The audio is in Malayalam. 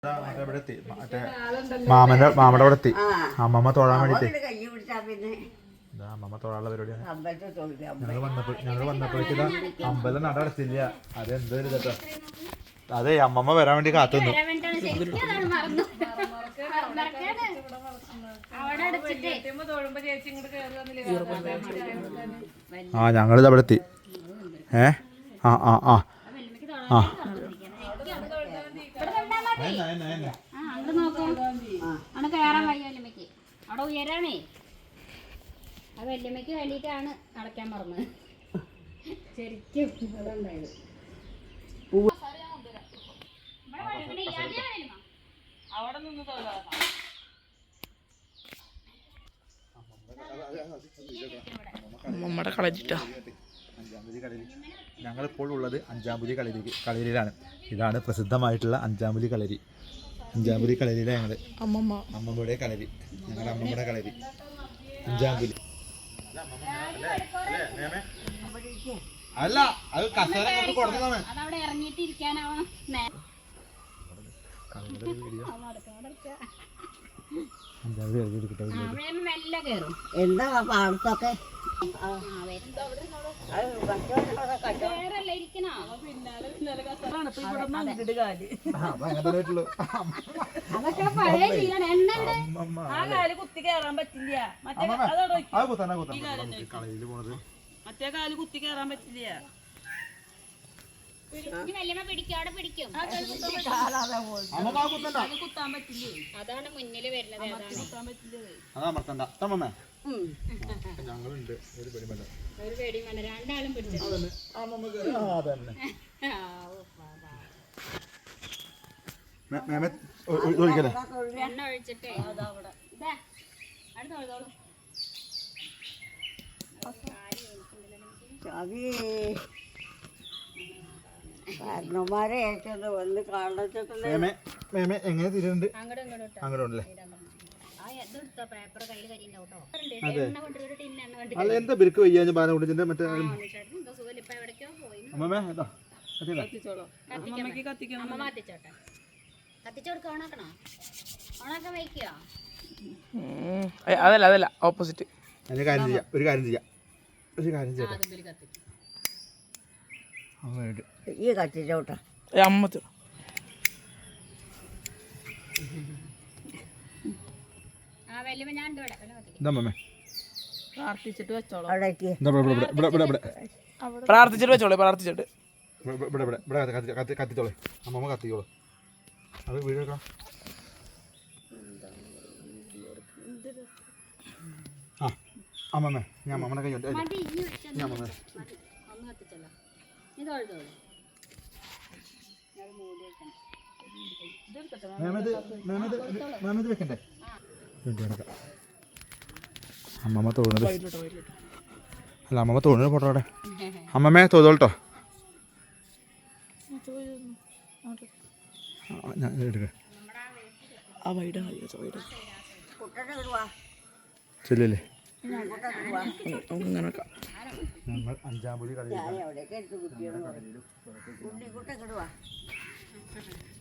മാമന്റെ അവിടെ എത്തി. അമ്മമ്മ തൊഴാൻ വേണ്ടിട്ട് അമ്മമ്മ തൊഴാനുള്ള പരിപാടിയാണ്. ഞങ്ങൾ വന്നപ്പോഴേക്ക് അമ്പലം നട അടച്ചില്ല. അതെന്തൊരു കേട്ടോ. അതെ അമ്മമ്മ വരാൻ വേണ്ടി കാത്തുനിന്നു. ആ ഞങ്ങളിത് അവിടെ എത്തി. ആ ആ ആ ആ കയറാൻ വയ്യ വല്യമ്മക്ക്. അവിടെ ഉയരാണേ. ആ വല്യമ്മക്ക് വേണ്ടിയിട്ടാണ് അടയ്ക്കാൻ മറന്നത്. ശരിക്കും അതുണ്ടായത്. നമ്മുടെ കളരിട്ടാ ഞങ്ങളിപ്പോൾ ഉള്ളത് അഞ്ചാമ്പുലി കളരിയിലാണ്. ഇതാണ് പ്രസിദ്ധമായിട്ടുള്ള അഞ്ചാമ്പുലി കളരി. അഞ്ചാമ്പുലി കളരിയിലെ ഞങ്ങൾ അമ്മമ്മയുടെ കളരി. ഞങ്ങളുടെ അമ്മമ്മയുടെ കളരി അഞ്ചാമ്പുലി. അല്ല അത് കസേര കൊടുത്തതാണ്. എന്താ പാടത്തൊക്കെ കുത്തി കയറാൻ പറ്റില്ല. മറ്റേ കാല് കുത്തി കയറാൻ പറ്റില്ല. അതാണ് മുന്നിൽ വരുന്നത്. ഞങ്ങളുണ്ട് ഒരു പേടിമല്ല. ഒരു പേടിയും വേണ്ട. രണ്ടാളും പിടിച്ചു. എണ്ണ ഒഴിച്ചിട്ടേ കാരണന്മാരെ ഏറ്റത് വന്ന് കാണുന്നുണ്ട്. എങ്ങനെ തിരുണ്ട് അങ്ങോട്ടല്ലേ? അല്ല എന്താ ബിരുക്ക് വയ്യാൻ ബാലം കൊണ്ടിന്റെ മറ്റേ അതല്ല അതല്ല ഓപ്പോസിറ്റ്. ഒരു കാര്യം ചെയ്യാം ഈ കത്തിച്ചോട്ടെ അമ്മത്ത് പ്രാർത്ഥിച്ചിട്ട് വെച്ചോളൂ. കത്തിച്ചോളെ അമ്മമ്മ കത്തിക്കോളൂ. അത് വീഡിയോ എടുക്കണം. ആ അമ്മമ്മേ ഞാൻ അമ്മമ്മയുടെ കൈ ഉണ്ട്. വെക്കണ്ടേ? അമ്മമ്മ തോന്നുന്നത് അല്ല അമ്മമ്മ തോന്നുന്നത് ഫോട്ടോടെ. അമ്മമ്മേ തോന്നോട്ടോ. ഞാൻ എടുക്കാം. ചെല്ലല്ലേ ഞങ്ങൾ അഞ്ചാമ്പുലി കളി